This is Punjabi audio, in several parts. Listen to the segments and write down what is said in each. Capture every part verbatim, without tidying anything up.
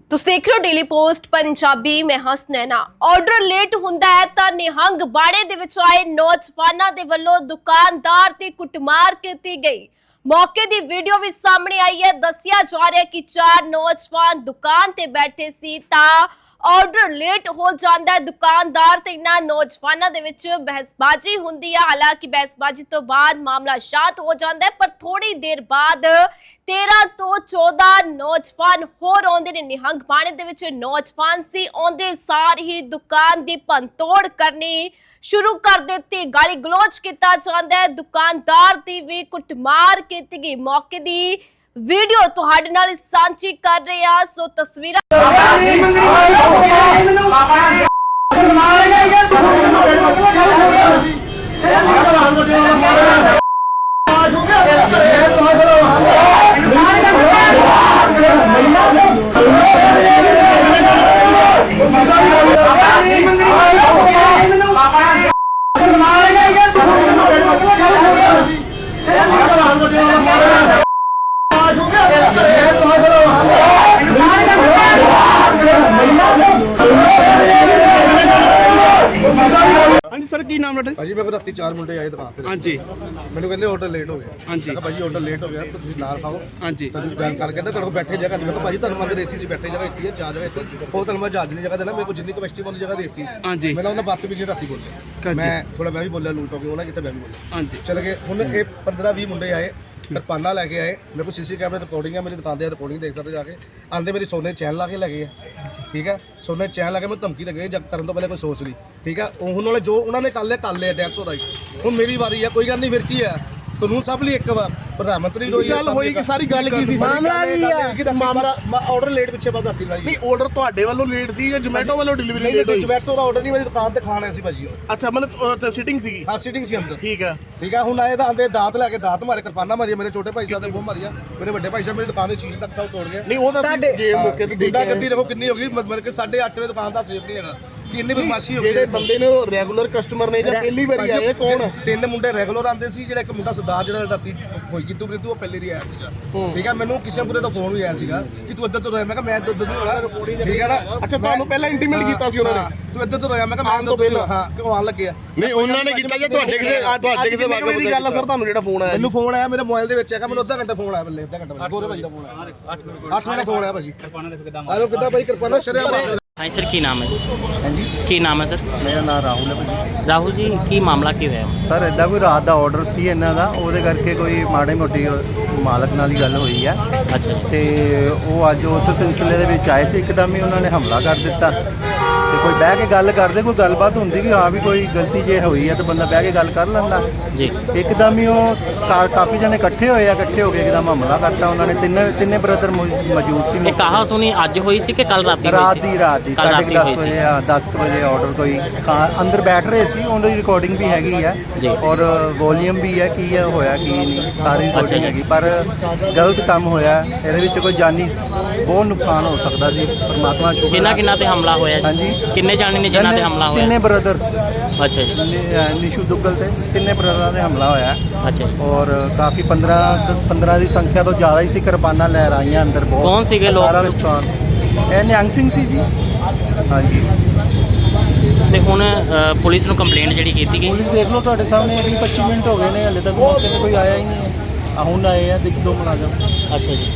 ਤੁਸੀਂ ਦੇਖ ਰਹੇ ਹੋ ਡੇਲੀ ਪੋਸਟ ਪੰਜਾਬੀ। मैं हसनैना। ऑर्डर लेट हुंदा है तां निहंग बाड़े दे विच आए नौजवानां दे वल्लों दुकानदार ते कुटमार कीती गई। मौके दी वीडियो भी सामने आई है। दस्सिया जा रहा है कि चार नौजवान दुकान ते बैठे सी तां ऑर्डर लेट हो जाता है। दुकानदार ते इन्हां नौजवानां दे विच बहसबाजी हुंदी है। हालांकि बहसबाजी तो बाद मामला शांत हो जाता है, पर थोड़ी देर बाद तेरह तो चौदह नौजवान होर आउंदे ने। निहंग बाणे दे विच नौजवान सी आउंदे सार ही दुकान दी भनतोड़ करनी शुरू कर दित्ती। गाली गलोच किया जाता है, दुकानदार दी भी कुटमार कीती गई। मौके दी वीडियो तुहाडे नाल सांझी कर रहे हैं। सो तस्वीरां सर की नाम है भाजी? मेरे को राती चार मुंडे आए दुकान पे। हाँ जी। मैंने कहते ऑर्डर लेट हो गया। हाँ जी। भाजी ऑर्डर लेट हो गया तो तुम नाल खाओ। हाँ जी। तो बैंक कर कहते तेरे को बैठे जगह नहीं। मैं भाजी तुम अंदर एसी च बैठे जगह इतनी है, चार जगह इतनी हो तुम मैं जहाज नहीं जगह देना। मेरे को जितनी कैपेसिटी वाली जगह देती। हाँ जी। मैंने उन्हें बात भी राती बोले, मैं थोड़ा मैं भी बोलिया लूट हो गया उन्हें कितने मैं भी बोला। हाँ जी। चल गए हुन ये पंद्रह बीस मुंडे आए, किरपाना लैके आए। मेरे को सीसी कैमरे रिकॉर्डिंग है, मेरी दुकान की रिकॉर्डिंग देख सकते जाके। आंदे मेरी सोने चैन ला के लगे है, ठीक है। सोने चैन ला के मैं धमकी लगे जब करने तो पहले कोई सोच ली, ठीक है। उन्होंने जो उन्होंने कर लिया कर लिया टैक्स होता ही। हुन मेरी बारी है, कोई गल नहीं। फिर की है कानून सब लिए एक बार प्रधानमंत्री रोई गल होई कि सारी गल की सी मामला की है मामला ऑर्डर लेट पिछे बात आती भाई। नहीं ऑर्डर ਤੁਹਾਡੇ ਵੱਲੋਂ ਲੇਟ ਸੀ ਜਾਂ ਜ਼ੋਮੈਟੋ ਵੱਲੋਂ ਡਿਲੀਵਰੀ ਲੇਟ ਹੋਈ? ਜ਼ੋਮੈਟੋ ਦਾ ਆਰਡਰ ਨਹੀਂ, ਮੇਰੀ ਦੁਕਾਨ ਤੇ ਖਾਣ ਆਇਆ ਸੀ ਭਾਜੀ। ਅੱਛਾ ਮਤਲਬ ਸਿਟਿੰਗ ਸੀਗੀ? ਹਾਂ ਸਿਟਿੰਗ ਸੀ ਅੰਦਰ। ਠੀਕ ਹੈ ਠੀਕ ਹੈ। ਹੁਣ ਆਏ ਤਾਂ ਆਂਦੇ ਦਾਤ ਲੈ ਕੇ ਦਾਤ ਮਾਰੇ, ਕਿਰਪਾਨਾ ਮਾਰੀ, ਮੇਰੇ ਛੋਟੇ ਭਾਈ ਸਾਹਿਬ ਦੇ ਮੂੰਹ ਮਾਰਿਆ, ਮੇਰੇ ਵੱਡੇ ਭਾਈ ਸਾਹਿਬ ਮੇਰੀ ਦੁਕਾਨ ਦੇ ਸ਼ੀਸ਼ੇ ਤੱਕ ਸਭ ਤੋੜ ਗਏ। ਨਹੀਂ ਉਹ ਤਾਂ ਗੇਮ ਮੌਕੇ ਤੇ ਗੁੰਡਾ ਗੱਦੀ ਦੇਖੋ ਕਿੰਨੀ ਹੋ ਗਈ, ਮਤਲਬ ਕਿ ਸਾਢੇ ਅੱਠ ਵਜੇ ਦੁਕਾਨ ਦਾ ਸੇਫ ਨਹੀਂ ਹੈਗਾ ਕਿ ਇੰਨੀ ਬਦਮਾਸ਼ੀ ਹੋ ਗਈ। ਜਿਹੜੇ ਬੰਦੇ ਨੇ ਉਹ ਰੈਗੂਲਰ ਕਸਟਮਰ ਨੇ ਜਾਂ ਪਹਿਲੀ ਵਾਰੀ ਆਏ ਕੌਣ? ਤਿੰਨ ਮੁੰਡੇ ਰੈਗੂਲਰ ਆਉਂਦੇ ਸੀ। ਜਿਹੜਾ ਇੱਕ ਮੁੰਡਾ ਸਰਦਾਰ ਜਿਹੜਾ ਰਾਤੀ ਹੋਈ ਕਿਤੂ ਬ੍ਰਿਤੂ ਉਹ ਪਹਿਲੇ ਦੀ ਆਇਆ ਸੀਗਾ, ਠੀਕ ਹੈ। ਮੈਨੂੰ ਕਿਸ਼ਨਪੁਰੇ ਤੋਂ ਫੋਨ ਵੀ ਆਇਆ ਸੀਗਾ ਕਿ ਤੂੰ ਇੱਧਰ ਤੋਂ ਰਹਿ। ਮੈਂ ਕਿਹਾ ਮੈਂ ਇੱਧਰ ਤੋਂ ਨਹੀਂ ਹੋਣਾ, ਠੀਕ ਹੈ ਨਾ। ਅੱਛਾ ਤੁਹਾਨੂੰ ਪਹਿਲਾਂ ਇੰਟੀਮੇਟ ਕੀਤਾ ਸੀ ਉਹਨਾਂ ਨੇ ਤੂੰ ਇੱਧਰ ਤੋਂ ਰਹਿ? ਮੈਂ ਕਿਹਾ ਮੈਂ ਤੋਂ ਪਹਿਲਾਂ ਹਾਂ ਕਿਉਂ ਆਣ ਲੱਗਿਆ ਨਹੀਂ ਉਹਨਾਂ ਨੇ ਕੀਤਾ ਜਾਂ ਤੁਹਾਡੇ ਕਿਸੇ ਤੁਹਾਡੇ ਕਿਸੇ ਵਾਕਫ ਦੀ ਗੱਲ ਆ ਸਰ? ਤੁਹਾਨੂੰ ਜਿਹੜਾ ਫੋਨ ਆਇਆ? ਮੈਨੂੰ ਫੋਨ ਆਇਆ ਮੇਰੇ ਮੋਬਾਈਲ ਦੇ ਵਿੱਚ ਹੈਗਾ, ਮੈਨੂੰ ਅੱਧਾ ਘੰਟਾ ਫੋਨ ਆਇਆ ਬੱਲੇ, ਅੱਧਾ ਘੰਟਾ ਗੋਰੇ ਭਾਈ ਦਾ ਫੋਨ ਆਇਆ। ਅੱਠ ਵਜੇ ਫੋਨ ਆਇਆ ਭਾਜੀ। ਆਲੋ ਕਿੱਦਾਂ ਭਾਈ ਕਿਰਪਾਨਾ ਸ਼ਰਿਆ ਮਾਰ। हाँ सर की नाम है? हाँ जी की नाम है सर? मेरा नाम राहुल है भाजी। राहुल जी की मामला की होया? सर इदा कोई रात का ऑर्डर सी इन्हों का, वो करके कोई माड़ी मोटी मालक नाल ही गल हुई है। अच्छा। तो वो अज उस सिलसिले दे विच आए सी, एकदम ही उन्होंने हमला कर दिता। तो कोई बह के गल करते, कोई गलबात होंगी कि हाँ भी कोई गलती जे हुई है तो बंदा बह के गल कर लेंदा जी। एकदम ही वो काफ़ी जने इकट्ठे होए, इकट्ठे होकर एकदम हमला करता। उन्होंने तिन्ने तिन्ने ब्रदर मौजूद सी। कहा सुनी अज हुई सी कि कल रात? रात दी रात दी साढ़े दस बजे दस बजे ऑर्डर कोई अंदर बैठ रहे सी, उन्होंने रिकॉर्डिंग भी हैगी है और वॉल्यूम भी है कि होया कि नहीं सारी रिकॉर्डिंग हैगी। पर गलत काम होया, ਇਹਦੇ ਵਿੱਚ ਕੋਈ ਜਾਨੀ बहुत नुकसान हो सकता जी। परमात्मा शुक्र। किन्ना किन्ना ते हमला होया? हाँ जी। किन्ने जाने ने जिन्ना ते हमला होया? तिन्ने ब्रदर। अच्छा जी। निशु दुग्गल ते तिन्ने ब्रदर ने हमला होया। अच्छा। और काफ़ी पंद्रह पंद्रह की संख्या तो ज़्यादा ही सी, किरपाना लहराइयां अंदर बहुत। कौन सी लोग? सारा नुकसान ਇਹ ਨਿਹੰਗ ਸਿੰਘ ਸੀ ਜੀ। हाँ जी। ਤੇ ਹੁਣ ਪੁਲਿਸ ਨੂੰ ਕੰਪਲੇਂਟ ਜਿਹੜੀ ਕੀਤੀ ਗਈ? ਪੁਲਿਸ ਦੇਖ ਲਓ ਤੁਹਾਡੇ ਸਾਹਮਣੇ ਵੀਹ ਪੱਚੀ ਮਿੰਟ ਹੋ ਗਏ ਨੇ, ਹਲੇ ਤੱਕ ਮੌਕੇ ਤੇ ਕੋਈ ਆਇਆ ਹੀ ਨਹੀਂ ਹੈ। ਹੁਣ ਆਏ ਆ ਦੇਖ ਦੋ ਮੁਲਾਜ਼ਮ। ਅੱਛਾ ਜੀ।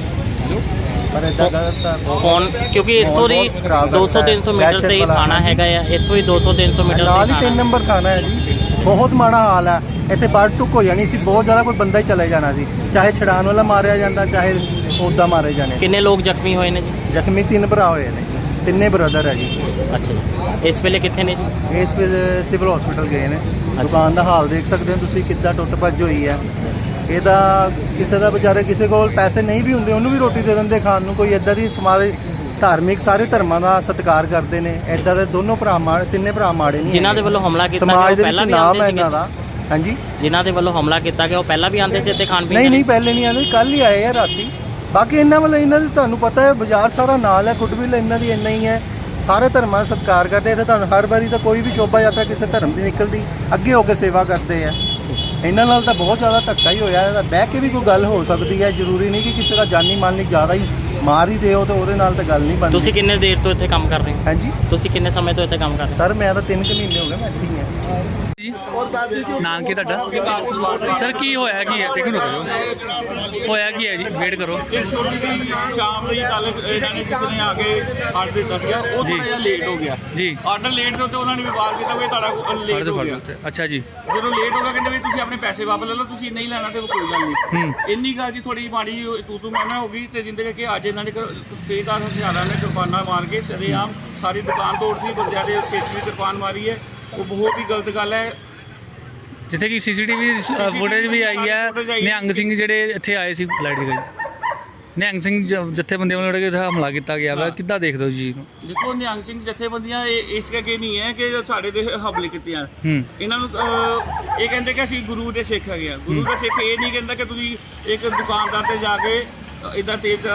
ਪਰ ਇਦਾਂ ਕਰਤਾ ਫੋਨ ਕਿਉਂਕਿ ਇੱਥੋਂ ਦੀ ਦੋ ਸੌ ਤਿੰਨ ਸੌ ਮੀਟਰ ਤੇ ਹੀ ਥਾਣਾ ਹੈਗਾ ਆ, ਇੱਥੋਂ ਹੀ ਦੋ ਸੌ ਤਿੰਨ ਸੌ ਮੀਟਰ ਨਾਲ ਹੀ ਤਿੰਨ ਨੰਬਰ ਥਾਣਾ ਹੈ ਜੀ। ਬਹੁਤ ਮਾੜਾ ਹਾਲ ਹੈ ਇੱਥੇ, ਬਾੜ ਚੁੱਕ ਹੋ ਜਾਣੀ ਸੀ, ਬਹੁਤ ਜ਼ਿਆਦਾ ਕੋਈ ਬੰਦਾ ਹੀ ਚਲੇ ਜਾਣਾ ਸੀ। ਚਾਹੇ ਛਡਾਣ ਵਾਲਾ ਮਾਰਿਆ ਜਾਂਦਾ, ਚਾਹੇ ਉੱਦਾਂ ਮਾਰੇ ਜਾਣੇ। ਕਿੰਨੇ ਲੋਕ ਜ਼ਖਮੀ ਹੋਏ ਨੇ ਜੀ? ਜ਼ਖਮੀ ਤਿੰਨ ਭਰਾ ਹੋਏ ਨੇ, ਤਿੰਨੇ ਬ੍ਰਦਰ ਹੈ ਜੀ। ਅੱਛਾ ਜੀ। ਇਸ ਵੇਲੇ ਕਿੱਥੇ ਨੇ ਜੀ? ਇਸ ਵੇਲੇ ਸਿਵਲ ਹਸਪੀਟਲ ਗਏ ਨੇ। ਦੁਕਾਨ ਦਾ ਹਾਲ ਦੇਖ ਸਕਦੇ ਹੋ ਤੁਸੀਂ, ਕਿੱਦਾਂ ਟੁੱਟ ਭੱਜ ਹੋਈ ਹੈ। ਇਹਦਾ ਕਿਸੇ ਦਾ ਵਿਚਾਰੇ ਕਿਸੇ ਕੋਲ ਪੈਸੇ ਨਹੀਂ ਵੀ ਹੁੰਦੇ, ਉਹਨੂੰ ਵੀ ਰੋਟੀ ਦੇ ਦਿੰਦੇ ਖਾਣ ਨੂੰ। ਕੋਈ ਇੱਦਾਂ ਦੀ ਸਮਾਰੇ ਧਾਰਮਿਕ ਸਾਰੇ ਧਰਮਾਂ ਦਾ ਸਤਿਕਾਰ ਕਰਦੇ ਨੇ। ਇੱਦਾਂ ਦੇ ਦੋਨੋਂ ਭਰਾ ਮਾੜੇ, ਤਿੰਨੇ ਭਰਾ ਮਾੜੇ ਨਹੀਂ। ਜਿਨ੍ਹਾਂ ਦੇ ਵੱਲੋਂ ਹਮਲਾ ਕੀਤਾ ਗਿਆ ਸਮਾਜ ਦੇ ਪਹਿਲਾਂ ਵਿੱਚ ਵੀ ਨਾਮ ਹੈ ਆਉਂਦੇ ਇਹਨਾਂ ਦਾ। ਹਾਂਜੀ। ਜਿਨ੍ਹਾਂ ਦੇ ਵੱਲੋਂ ਹਮਲਾ ਕੀਤਾ ਗਿਆ ਉਹ ਪਹਿਲਾਂ ਵੀ ਆਉਂਦੇ ਸੀ ਇੱਥੇ ਖਾਣ ਪੀਣ? ਨਹੀਂ ਨਹੀਂ ਪਹਿਲੇ ਨਹੀਂ ਆਉਂਦੇ, ਕੱਲ ਹੀ ਆਏ ਆ ਰਾਤੀ। ਬਾਕੀ ਇਹਨਾਂ ਵੱਲੋਂ ਇਹਨਾਂ ਦੀ ਤੁਹਾਨੂੰ ਪਤਾ ਹੈ ਬਾਜ਼ਾਰ ਸਾਰਾ ਨਾਲ ਹੈ, ਗੁੱਡਵਿਲ ਇਹਨਾਂ ਦੀ ਇੰਨਾ ਹੀ ਹੈ। ਸਾਰੇ ਧਰਮਾਂ ਦਾ ਸਤਿਕਾਰ ਕਰਦੇ ਇੱਥੇ। ਤੁਹਾਨੂੰ ਹਰ ਵਾਰੀ ਤਾਂ ਕੋਈ ਵੀ ਸ਼ੋਭਾ ਯਾਤਰਾ ਕਿਸੇ ਧਰਮ ਦੀ ਨਿਕਲਦੀ ਅੱਗੇ ਹੋ ਕੇ ਸੇਵਾ ਕਰਦੇ ਆ। ਇਹਨਾਂ ਨਾਲ ਤਾਂ ਬਹੁਤ ਜ਼ਿਆਦਾ ਧੱਕਾ ਹੀ ਹੋਇਆ। ਬਹਿ ਕੇ ਵੀ ਕੋਈ ਗੱਲ ਹੋ ਸਕਦੀ ਹੈ, ਜ਼ਰੂਰੀ ਨਹੀਂ ਕਿ ਕਿਸੇ ਦਾ ਜਾਨੀ ਮਾਲ ਨਹੀਂ ਜ਼ਿਆਦਾ ਹੀ ਮਾਰ ਹੀ ਦਿਓ ਤੇ ਉਹਦੇ ਨਾਲ ਤਾਂ ਗੱਲ ਨਹੀਂ ਬਣਦੀ। ਤੁਸੀਂ ਕਿੰਨੇ ਦੇਰ ਤੋਂ ਇੱਥੇ ਕੰਮ ਕਰ ਰਹੇ ਹੋ? ਹਾਂਜੀ ਤੁਸੀਂ ਕਿੰਨੇ ਸਮੇਂ ਤੋਂ ਇੱਥੇ ਕੰਮ ਕਰ ਰਹੇ ਸਰ ਮੈਂ ਤਾਂ ਤਿੰਨ ਕੁ ਮਹੀਨੇ ਹੋ ਗਏ ਮੈਂ ਇੱਥੇ ਹੀ ਹਾਂ। ਨਾਮ ਕੀ ਤੁਹਾਡਾ? ਸਰ ਕੀ ਹੋਇਆ ਕੀ ਹੈ? ਦੇਖੋ ਰੁਕੋ, ਹੋਇਆ ਕੀ ਹੈ ਜੀ? ਵੇਟ ਕਰੋ। ਇਹ ਛੋਟੀ ਜਿਹੀ ਸ਼ਾਮ ਲਈ ਕੱਲ ਇਹਨਾਂ ਨੇ ਕਿਸੇ ਨੇ ਆ ਕੇ ਆਰਡਰ ਦਿੱਤਾ ਸੀਗਾ, ਉਹ ਥੋੜਾ ਜਿਹਾ ਲੇਟ ਹੋ ਗਿਆ ਜੀ। ਆਰਡਰ ਲੇਟ ਦੇ ਉੱਤੇ ਉਹਨਾਂ ਨੇ ਵਿਵਾਦ ਕੀਤਾ ਵੀ ਤੁਹਾਡਾ ਲੇਟ ਹੋ ਗਿਆ। ਅੱਛਾ ਜੀ। ਜਦੋਂ ਲੇਟ ਹੋ ਗਿਆ ਕਹਿੰਦੇ ਵੀ ਤੁਸੀਂ ਆਪਣੇ ਪੈਸੇ ਵਾਪਸ ਲੈ ਲਓ, ਤੁਸੀਂ ਨਹੀਂ ਲੈਣਾ ਤੇ ਕੋਈ ਗੱਲ ਨਹੀਂ। ਹੂੰ। ਇੰਨੀ ਗੱਲ ਜੀ ਥੋੜੀ ਮਾੜੀ ਤੂੰ ਤੂੰ ਮੈਂ ਮੈਂ ਹੋ ਗਈ ਤੇ ਜਿੰਦੇ ਕਰਕੇ ਅੱਜ ਇਹਨਾਂ ਨੇ ਤੇਜ਼ਦਾਰ ਹਥਿਆਰਾਂ ਨੇ ਕਿਰਪਾਨਾਂ ਮਾਰ ਕੇ ਸਰੇਆਮ ਸਾਰੀ ਦੁਕਾਨ ਤੋੜਤੀ, ਬੰਦਿਆਂ ਦੇ ਸਿਰ 'ਚ ਵੀ ਕਿਰਪਾਨ ਮਾਰੀ ਹੈ। ਉਹ ਬਹੁਤ ਹੀ ਗਲਤ ਗੱਲ ਹੈ। ਜਿੱਥੇ ਕਿ ਸੀਸੀਟੀਵੀ ਫੁਟੇਜ ਵੀ ਆਈ ਹੈ, ਨਿਹੰਗ ਸਿੰਘ ਜਿਹੜੇ ਇੱਥੇ ਆਏ ਸੀ ਲਾਈਟ ਦੀ ਗਈ ਨਿਹੰਗ ਸਿੰਘ ਜਥੇਬੰਦੀਆਂ ਵੱਲੋਂ ਜਿਹੜੇ ਹਮਲਾ ਕੀਤਾ ਗਿਆ ਵਾ, ਕਿੱਦਾਂ ਦੇਖਦੇ ਹੋ ਜੀ? ਦੇਖੋ ਨਿਹੰਗ ਸਿੰਘ ਜਥੇਬੰਦੀਆਂ ਇਹ ਇਸ ਕਰਕੇ ਨਹੀਂ ਹੈ ਕਿ ਸਾਡੇ ਤੇ ਹਮਲੇ ਕੀਤੇ ਹਨ। ਹੂੰ। ਇਹਨਾਂ ਨੂੰ ਅਹ, ਇਹ ਕਹਿੰਦੇ ਕਿ ਅਸੀਂ ਗੁਰੂ ਦੇ ਸਿੱਖ ਹੈਗੇ ਆ। ਗੁਰੂ ਦਾ ਸਿੱਖ ਇਹ ਨਹੀਂ ਕਹਿੰਦਾ ਕਿ ਤੁਸੀਂ ਇੱਕ ਦੁਕਾਨਦਾਰ ਤੇ ਜਾ ਕੇ ਇਦਾਂ ਤੇਜ਼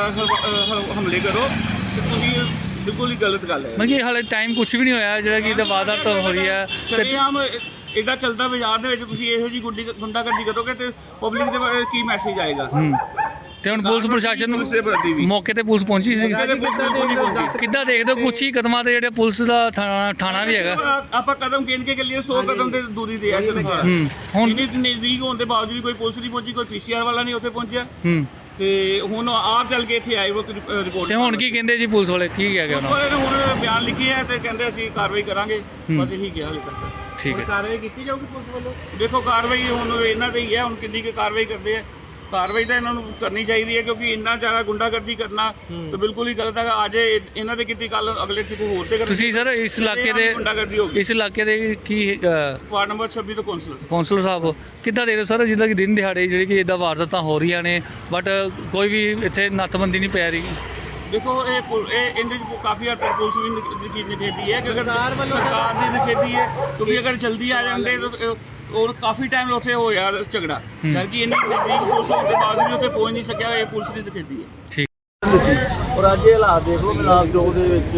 ਹਮਲੇ ਕਰੋ, ਤੇ ਤੁਸੀਂ ਬਿਲਕੁਲ ਹੀ ਗਲਤ ਗੱਲ ਹੈ। ਮਤਲਬ ਕਿ ਹਾਲੇ ਟਾਈਮ ਕੁਝ ਵੀ ਨਹੀਂ ਹੋਇਆ ਜਿਹੜਾ ਕਿ ਇਹਦਾ ਵਾਰਦਾਤ ਹੋ ਰਹੀ ਹੈ ਤੇ ਸ਼ਰੇਆਮ ਐਡਾ ਚੱਲਦਾ ਬਾਜ਼ਾਰ ਦੇ ਵਿੱਚ ਤੁਸੀਂ ਇਹੋ ਜਿਹੀ ਗੁੱਡੀ ਗੁੰਡਾਗਰਦੀ ਕਰੋਗੇ ਤੇ ਪਬਲਿਕ ਦੇ ਬਾਰੇ ਕੀ ਮੈਸੇਜ ਆਏਗਾ? ਹੂੰ। ਤੇ ਹੁਣ ਪੁਲਿਸ ਪ੍ਰਸ਼ਾਸਨ ਪੁਲਿਸ ਦੇ ਪ੍ਰਤੀ ਵੀ ਨੂੰ ਮੌਕੇ ਤੇ ਪੁਲਿਸ ਪਹੁੰਚੀ ਸੀ? ਮੌਕੇ ਤੇ ਪੁਲਿਸ ਬਿਲਕੁਲ ਨਹੀਂ ਪਹੁੰਚੀ। ਕਿੱਦਾਂ ਦੇਖਦੇ ਹੋ ਕੁਛ ਹੀ ਕਦਮਾਂ ਤੇ ਜਿਹੜੇ ਪੁਲਿਸ ਦਾ ਥਾਣਾ ਥਾਣਾ ਵੀ ਹੈਗਾ? ਆਪਾਂ ਕਦਮ ਗਿਣ ਕੇ ਚੱਲੀਏ ਸੌ ਕਦਮ ਤੇ ਦੂਰੀ ਤੇ ਆ ਸਿਰਫ। ਹੂੰ। ਹੁਣ ਇੰਨੀ ਨਜ਼ਦੀਕ ਹੋਣ ਦੇ ਬਾਵਜੂਦ ਵੀ ਕੋਈ ਪੁਲਿਸ ਨਹੀਂ ਪਹੁੰਚੀ, ਕੋਈ ਪੀਸੀਆਰ ਵਾਲਾ ਨਹੀਂ ਉੱਥੇ ਪਹੁੰਚਿਆ। ਹੂੰ। ਤੇ ਹੁਣ ਆਪ ਚੱਲ ਕੇ ਇੱਥੇ ਆਏ ਉਹ ਰਿਪੋਰਟ। ਤੇ ਹੁਣ ਕੀ ਕਹਿੰਦੇ ਜੀ ਪੁਲਿਸ ਵਾਲੇ, ਕੀ ਕਹਿ ਗਏ ਪੁਲਿਸ ਉਹਨਾਂ ਵਾਲੇ ਨੇ ਹੁਣ ਬਿਆਨ ਲਿਖੀ ਹੈ ਤੇ ਕਹਿੰਦੇ ਅਸੀਂ ਕਾਰਵਾਈ ਕਰਾਂਗੇ, ਬਸ ਇਹੀ ਕਿਹਾ ਹਾਲੇ ਤੱਕ। ਠੀਕ ਹੈ। ਕਾਰਵਾਈ ਕੀਤੀ ਜਾਊਗੀ ਪੁਲਿਸ ਵੱਲੋਂ? ਦੇਖੋ ਕਾਰਵਾਈ ਹੁਣ ਇਹਨਾਂ ਤੇ ਹੀ ਹੈ, ਹੁਣ ਕਿੰਨੀ ਕੁ ਕਾਰਵਾਈ ਕਰਦੇ ਆ। ਕਾਰਵਾਈ ਤਾਂ ਇਹਨਾਂ ਨੂੰ ਕਰਨੀ ਚਾਹੀਦੀ ਹੈ ਕਿਉਂਕਿ ਇੰਨਾ ਜ਼ਿਆਦਾ ਗੁੰਡਾਗਰਦੀ ਕਰਨਾ ਤਾਂ ਬਿਲਕੁਲ ਹੀ ਗਲਤ ਹੈਗਾ। ਅੱਜ ਇਹਨਾਂ ਦੇ ਕੀਤੀ, ਕੱਲ ਅਗਲੇ ਕਿਤੇ ਹੋਰ ਤੇ ਕਰਨੀ। ਤੁਸੀਂ ਸਰ ਇਸ ਇਲਾਕੇ ਦੇ ਗੁੰਡਾਗਰਦੀ ਹੋ ਗਈ। ਇਸ ਇਲਾਕੇ ਦੇ ਕੀ ਵਾਰਡ ਨੰਬਰ ਛੱਬੀ ਤੋਂ ਕੌਂਸਲਰ ਕੌਂਸਲਰ ਸਾਹਿਬ ਕਿੱਦਾਂ ਦੇਖਦੇ ਹੋ ਸਰ, ਜਿੱਦਾਂ ਕਿ ਦਿਨ ਦਿਹਾੜੇ ਜਿਹੜੀ ਕਿ ਇਦਾਂ ਵਾਰਦਾਤਾਂ ਹੋ ਰਹੀਆਂ ਨੇ ਬਟ ਕੋਈ ਵੀ ਇੱਥੇ ਨੱਥਬੰਦੀ ਨਹੀਂ ਪੈ ਰਹੀ? ਦੇਖੋ ਇਹ ਪੁਲ- ਇਹ ਇਹਦੇ 'ਚ ਕਾਫੀ ਹੱਦ ਤੱਕ ਪੁਲਿਸ ਵੀ ਨਿਖ- ਨਿਖੇਧੀ ਹੈ ਕਿ ਅਗਰ ਸਰਕਾਰ ਦੀ ਨਿਖੇਧੀ ਹੈ ਕਿਉਂਕਿ ਅਗਰ ਜਲਦੀ ਆ ਜਾਂਦੇ ਤਾਂ ਔਰ ਕਾਫੀ ਟਾਈਮ ਉੱਥੇ ਹੋਇਆ ਝਗੜਾ ਕਰਕੇ ਇੰਨੀ ਨਜ਼ਦੀਕ ਪੁਲਿਸ ਹੋਣ ਦੇ ਬਾਵਜੂਦ ਵੀ ਉੱਥੇ ਪਹੁੰਚ ਨਹੀਂ ਸਕਿਆ। ਇਹ ਪੁਲਿਸ ਦੀ ਨਿਖੇਧੀ ਹੈ। ਠੀਕ। ਔਰ ਅੱਜ ਇਹ ਹਾਲਾਤ ਦੇਖ ਲਓ ਮਿਲਾਪ ਚੌਕ ਦੇ ਵਿੱਚ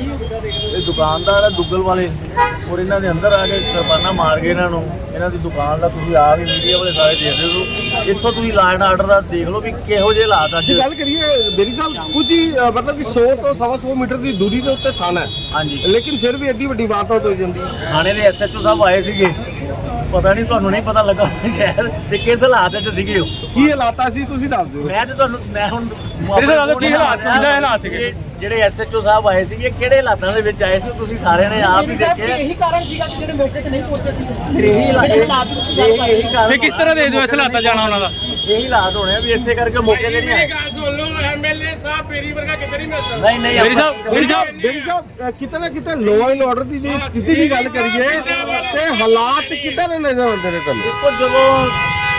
ਇਹ ਦੁਕਾਨਦਾਰ ਆ ਦੁੱਗਲ ਵਾਲੇ ਔਰ ਇਹਨਾਂ ਦੇ ਅੰਦਰ ਆ ਕੇ ਕਿਰਪਾਨਾਂ ਮਾਰ ਕੇ ਇਹਨਾਂ ਨੂੰ ਇਹਨਾਂ ਦੀ ਦੁਕਾਨ ਦਾ ਤੁਸੀਂ ਆਪ ਹੀ ਮੀਡੀਆ ਵਾਲੇ ਸਾਰੇ ਦੇਖਦੇ ਹੋ। ਇੱਥੋਂ ਤੁਸੀਂ ਲਾਅ ਐਂਡ ਆਰਡਰ ਦਾ ਦੇਖ ਲਓ ਵੀ ਕਿਹੋ ਜਿਹੇ ਹਾਲਾਤ ਅੱਜ। ਗੱਲ ਕਰੀਏ ਬੇਰੀ ਸਾਹਿਬ, ਕੁਝ ਹੀ ਅ, ਮਤਲਬ ਕਿ ਸੌ ਤੋਂ ਸਵਾ ਸੌ ਮੀਟਰ ਦੀ ਦੂਰੀ ਦੇ ਉੱਤੇ ਥਾਣਾ ਹੈ, ਹਾਂਜੀ ਲੇਕਿਨ ਫਿਰ ਵੀ ਐਡੀ ਵੱਡੀ ਵਾਰਦਾਤ ਹੋ ਜਾਂਦੀ ਹੈ। ਥਾਣੇ ਦੇ ਐਸਐਚਓ ਸਾਹਿਬ ਆਏ ਸੀਗੇ, ਪਤਾ ਨਹੀਂ ਤੁਹਾਨੂੰ ਨਹੀਂ ਪਤਾ ਲੱਗਾ ਸ਼ਹਿਰ ਤੇ ਕਿਸ ਹਾਲਾਤ ਵਿੱਚ ਸੀਗੇ ਉਹ। ਕੀ ਹਾਲਾਤ ਸੀ ਤੁਸੀਂ ਦੱਸ ਦਿਓ। ਮੈਂ ਤੇ ਤੁਹਾਨੂੰ ਮੈਂ ਹੁਣ ਮੇਰੇ ਨਾਲ ਕੀ ਹਾਲਾਤ ਸੀ, ਕਿਹੜੇ ਹਾਲਾਤ ਸੀਗੇ? ਜਿਹੜੇ ਐਸਐਚਓ ਸਾਹਿਬ ਆਏ ਸੀਗੇ ਕਿਹੜੇ ਹਾਲਾਤਾਂ ਦੇ ਵਿੱਚ ਆਏ ਸੀ ਤੁਸੀਂ ਸਾਰਿਆਂ ਨੇ ਆਪ ਹੀ ਦੇਖਿਆ। ਇਹੀ ਕਾਰਨ ਸੀਗਾ ਕਿ ਜਿਹੜੇ ਮੌਕੇ ਤੇ ਨਹੀਂ ਪਹੁੰਚੇ ਸੀ। ਫਿਰ ਇਹੀ ਹਾਲਾਤ ਇਹੀ ਕਾਰਨ ਤੇ ਕਿਸ ਤਰ੍ਹਾਂ ਦੇ ਦਿਓ ਇਸ ਹਾਲਾਤਾਂ ਜਾਣਾ ਉਹਨਾਂ ਦਾ? ਇਹੀ ਹਾਲਾਤ ਹੋਣੇ ਆ ਵੀ ਇੱਥੇ ਕਰਕੇ ਮੌਕੇ ਤੇ ਨਹੀਂ ਆਏ। ਗੱਲ ਸੁਣ ਲਓ, ਐਮਐਲਏ ਸਾਹਿਬ ਮੇਰੀ ਵਰਗਾ ਕਿਤੇ ਨਹੀਂ ਮਿਲ ਸਕਦਾ। ਨਹੀਂ ਨਹੀਂ ਮੇਰੀ ਆਪਾਂ- ਸਾਹਿਬ ਮੇਰੀ ਸਾਹਿਬ ਬੇਰੀ ਸਾਹਿਬ, ਕਿਤੇ ਨਾ ਕਿਤੇ ਲਾਅ ਐਂਡ ਆਰਡਰ ਦੀ ਜਿਹੜੀ ਸਥਿਤੀ ਦੀ ਗੱਲ ਕਰੀਏ ਤੇ ਹਾਲਾਤ ਕਿੱਦਾਂ ਦੇ ਨਜ਼ਰ ਆਉਂਦੇ ਨੇ ਤੁਹਾਨੂੰ? ਦੇਖੋ ਜਦੋਂ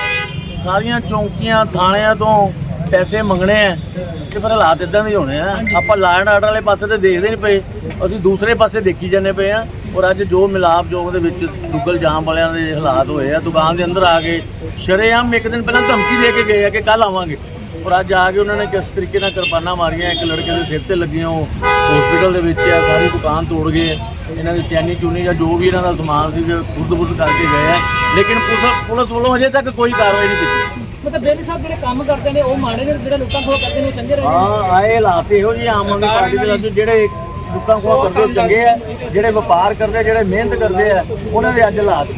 ਸਾਰੀਆਂ ਚੌਂਕੀਆਂ ਥਾਣਿਆਂ ਤੋਂ ਪੈਸੇ ਮੰਗਣੇ ਆ ਤੇ ਫਿਰ ਹਾਲਾਤ ਇਦਾਂ ਦੇ ਹੋਣੇ ਆ। ਆਪਾਂ ਲਾਅ ਐਂਡ ਆਰਡਰ ਵਾਲੇ ਪਾਸੇ ਤੇ ਦੇਖਦੇ ਨਹੀਂ ਪਏ, ਅਸੀਂ ਦੂਸਰੇ ਪਾਸੇ ਦੇਖੀ ਜਾਂਦੇ ਪਏ ਆ। ਔਰ ਅੱਜ ਜੋ ਮਿਲਾਪ ਜੋਗ ਦੇ ਵਿੱਚ ਦੁੱਗਲ ਜਾਮ ਵਾਲਿਆਂ ਦੇ ਹਾਲਾਤ ਹੋਏ ਆ, ਦੁਕਾਨ ਦੇ ਅੰਦਰ ਆ ਕੇ ਸ਼ਰੇਆਮ ਇੱਕ ਦਿਨ ਪਹਿਲਾਂ ਧਮਕੀ ਦੇ ਕੇ ਗਏ ਆ ਕਿ ਕੱਲ ਆਵਾਂਗੇ ਔਰ ਅੱਜ ਆ ਕੇ ਉਹਨਾਂ ਨੇ ਕਿਸ ਤਰੀਕੇ ਨਾਲ ਕਿਰਪਾਨਾਂ ਮਾਰੀਆਂ, ਇੱਕ ਲੜਕੇ ਦੇ ਸਿਰ ਤੇ ਲੱਗੀਆਂ, ਉਹ ਹਸਪੀਟਲ ਦੇ ਵਿੱਚ ਆ, ਸਾਰੀ ਦੁਕਾਨ ਤੋੜ ਗਏ। ਇਹਨਾਂ ਦੀ ਚੈਨੀ ਚੂਨੀ ਜਾਂ ਜੋ ਵੀ ਇਹਨਾਂ ਦਾ ਸਮਾਨ ਸੀ ਖੁਰਦ-ਬੁਰਦ ਕਰਕੇ ਗਏ ਆ, ਲੇਕਿਨ ਪੁਲਿਸ ਪੁਲਿਸ ਵੱਲੋਂ ਅਜੇ ਤੱਕ ਕੋਈ ਕਾਰਵਾਈ ਨਹੀਂ ਕੀਤੀ। ਮਤਲਬ ਬੇਲੀ ਸਾਹਿਬ ਜਿਹੜੇ ਕੰਮ ਕਰਦੇ ਨੇ ਉਹ ਮਾੜੇ ਨੇ, ਜਿਹੜੇ ਲੋਕਾਂ ਕੋਲ ਕਰਦੇ ਨੇ ਉਹ ਚੰਗੇ ਰਹੇ। ਹਾਂ ਆਏ ਹਾਲਾਤ ਇਹੋ ਜਿਹੇ ਆਮ ਆਦਮੀ ਪਾਰਟੀ ਦੇ ਵਿੱਚ ਜਿਹੜੇ ਲੋਕਾਂ ਕੋਲ ਕਰਦੇ ਉਹ ਚੰਗੇ ਆ, ਜਿਹੜੇ ਵਪਾਰ ਕਰਦੇ ਜਿਹੜੇ ਮਿਹਨਤ ਕਰਦੇ ਆ ਉਹਨਾਂ ਦੇ ਅੱਜ ਹਾਲਾਤ।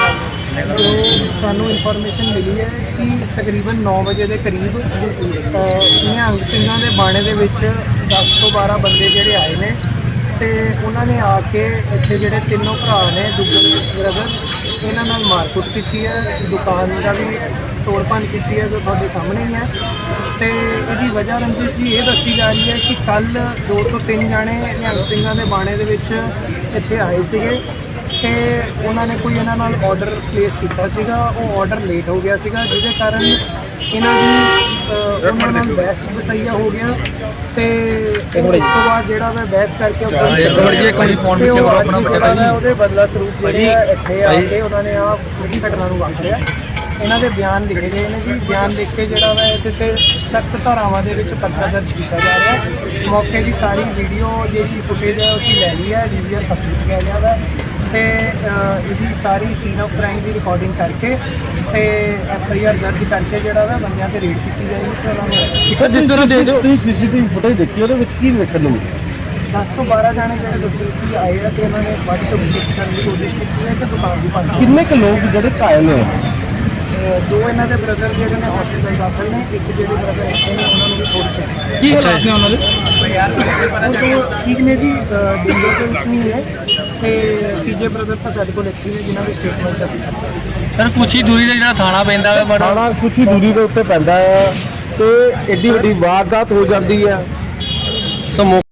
ਸਾਨੂੰ ਇਨਫੋਰਮੇਸ਼ਨ ਮਿਲੀ ਹੈ ਕਿ ਤਕਰੀਬਨ ਨੌ ਵਜੇ ਦੇ ਕਰੀਬ ਨਿਹੰਗ ਸਿੰਘਾਂ ਦੇ ਬਾਣੇ ਦੇ ਵਿੱਚ ਦਸ ਤੋਂ ਬਾਰਾਂ ਬੰਦੇ ਜਿਹੜੇ ਆਏ ਨੇ ਤੇ ਉਹਨਾਂ ਨੇ ਆ ਕੇ ਇੱਥੇ ਜਿਹੜੇ ਤਿੰਨੋਂ ਭਰਾ ਨੇ ਦੁੱਗਲ ਬ੍ਰਦਰ ਇਹਨਾਂ ਨਾਲ ਮਾਰਕੁੱਟ ਕੀਤੀ ਹੈ, ਦੁਕਾਨ ਦਾ ਵੀ ਤੋੜਪਾਨ ਕੀਤੀ ਹੈ ਜੋ ਤੁਹਾਡੇ ਸਾਹਮਣੇ ਹੀ ਹੈ। ਤੇ ਇਹਦੀ ਵਜ੍ਹਾ ਰੰਜਿਸ਼ ਜੀ ਇਹ ਦੱਸੀ ਜਾ ਰਹੀ ਹੈ ਕਿ ਕੱਲ ਦੋ ਤੋਂ ਤਿੰਨ ਜਾਣੇ ਨਿਹੰਗ ਸਿੰਘਾਂ ਦੇ ਬਾਣੇ ਦੇ ਵਿੱਚ ਇੱਥੇ ਆਏ ਸੀਗੇ ਤੇ ਉਹਨਾਂ ਨੇ ਕੋਈ ਇਹਨਾਂ ਨਾਲ ਆਰਡਰ ਪਲੇਸ ਕੀਤਾ ਸੀਗਾ, ਉਹ ਆਰਡਰ ਲੇਟ ਹੋ ਗਿਆ ਸੀਗਾ ਜਿਹਦੇ ਕਾਰਨ ਇਹਨਾਂ ਦੀ ਉਹਨਾਂ ਨਾਲ ਬਹਿਸ ਵਸਈਆ ਹੋ ਗਿਆ ਤੇ ਉਸ ਤੋਂ ਬਾਅਦ ਜਿਹੜਾ ਮੈਂ ਬਹਿਸ ਕਰਕੇ ਉਹਦੇ ਬਦਲਾ ਸਰੂਪ ਜਿਹੜੇ ਆ ਇੱਥੇ ਆ ਕੇ ਉਹਨਾਂ ਨੇ ਆ ਪੂਰੀ ਘਟਨਾ ਨੂੰ ਵਾਪਰਿਆ। ਇਹਨਾਂ ਦੇ ਬਿਆਨ ਲਿਖੇ ਗਏ ਨੇ ਜੀ, ਬਿਆਨ ਲਿਖ ਕੇ ਜਿਹੜਾ ਵਾ ਇਹਦੇ ਤੇ ਸਖਤ ਧਾਰਾਵਾਂ ਦੇ ਵਿੱਚ ਪਰਚਾ ਦਰਜ ਕੀਤਾ ਜਾ ਰਿਹਾ। ਮੌਕੇ ਦੀ ਸਾਰੀ ਵੀਡੀਓ ਜਿਹੜੀ ਫੁਟੇਜ ਹੈ ਉਹ ਲੈ ਲਈ ਹੈ, ਡੀਵੀਆਰ ਹੱਥ ਵਿੱਚ ਲੈ ਲਿਆ ਵਾ ਤੇ ਅ, ਇਹਦੀ ਸਾਰੀ ਸੀਨ ਆਫ ਕ੍ਰਾਈਮ ਦੀ ਰਿਕਾਰਡਿੰਗ ਕਰਕੇ ਤੇ ਐਫ ਆਈ ਆਰ ਦਰਜ ਕਰਕੇ ਜਿਹੜਾ ਵਾ ਬੰਦਿਆਂ ਤੇ ਰੇਡ ਕੀਤੀ ਜਾਏਗੀ ਤੇ ਉਹਨਾਂ ਨੂੰ ਸਰ ਜਿਸ ਤਰ੍ਹਾਂ ਦੇ ਤੁਸੀਂ ਸੀਸੀਟੀਵੀ ਫੁਟੇਜ ਦੇਖੀ ਉਹਦੇ ਵਿੱਚ ਕੀ ਵੇਖਣ ਨੂੰ ਮਿਲਿਆ? ਦਸ ਤੋਂ ਬਾਰਾਂ ਜਾਣੇ ਜਿਹੜੇ ਦੱਸੇ ਕਿ ਆਏ ਆ ਤੇ ਉਹਨਾਂ ਨੇ ਵੱਧ ਤੋਂ ਕੋਸ਼ਿਸ਼ ਕਰਨ ਦੀ ਕੋਸ਼ਿਸ਼ ਕੀਤੀ ਹੈ ਕਿ ਦੁਕਾਨ ਦੀ ਭੰਨ ਕਿੰਨੇ ਕੁ ਲੋਕ ਜਿਹੜੇ ਘਾਇਲ ਹੋਏ? ਅ, ਦੋ ਇਹਨਾਂ ਦੇ ਬ੍ਰਦਰ ਜਿਹੜੇ ਨੇ ਹਸਪੀਟਲ ਦਾਖਲ ਨੇ, ਇੱਕ ਜਿਹੜੇ ਬ੍ਰਦਰ ਇੱਥੇ ਨੇ ਉਹਨਾਂ ਨੂੰ ਵੀ ਥੋੜੀ ਛੱਡੀ ਕੀ ਹਾਲਾਤ ਨੇ ਉਹਨਾਂ ਦੇ? ਉਹ ਤੋਂ ਠੀਕ ਨੇ ਜੀ, ਡੇਂਜਰ ਦੇ ਵਿੱਚ ਨਹੀਂ ਹੈ ਤੇ ਤੀਜੇ ਬ੍ਰਦਰ ਤਾਂ ਸਾਡੇ ਕੋਲ ਇੱਥੇ ਨੇ ਜਿਨ੍ਹਾਂ ਦੀ ਸਟੇਟਮੈਂਟ ਦਾ ਸਰ ਕੁਛ ਹੀ ਦੂਰੀ ਤੇ ਜਿਹੜਾ ਥਾਣਾ ਪੈਂਦਾ ਹੈ ਬੜਾ ਥਾਣਾ ਕੁਛ ਹੀ ਦੂਰੀ ਦੇ ਉੱਤੇ ਪੈਂਦਾ ਹੈ ਤੇ ਐਡੀ ਵੱਡੀ ਵਾਰਦਾਤ ਹੋ ਜਾਂਦੀ ਹੈ। ਸਮੋ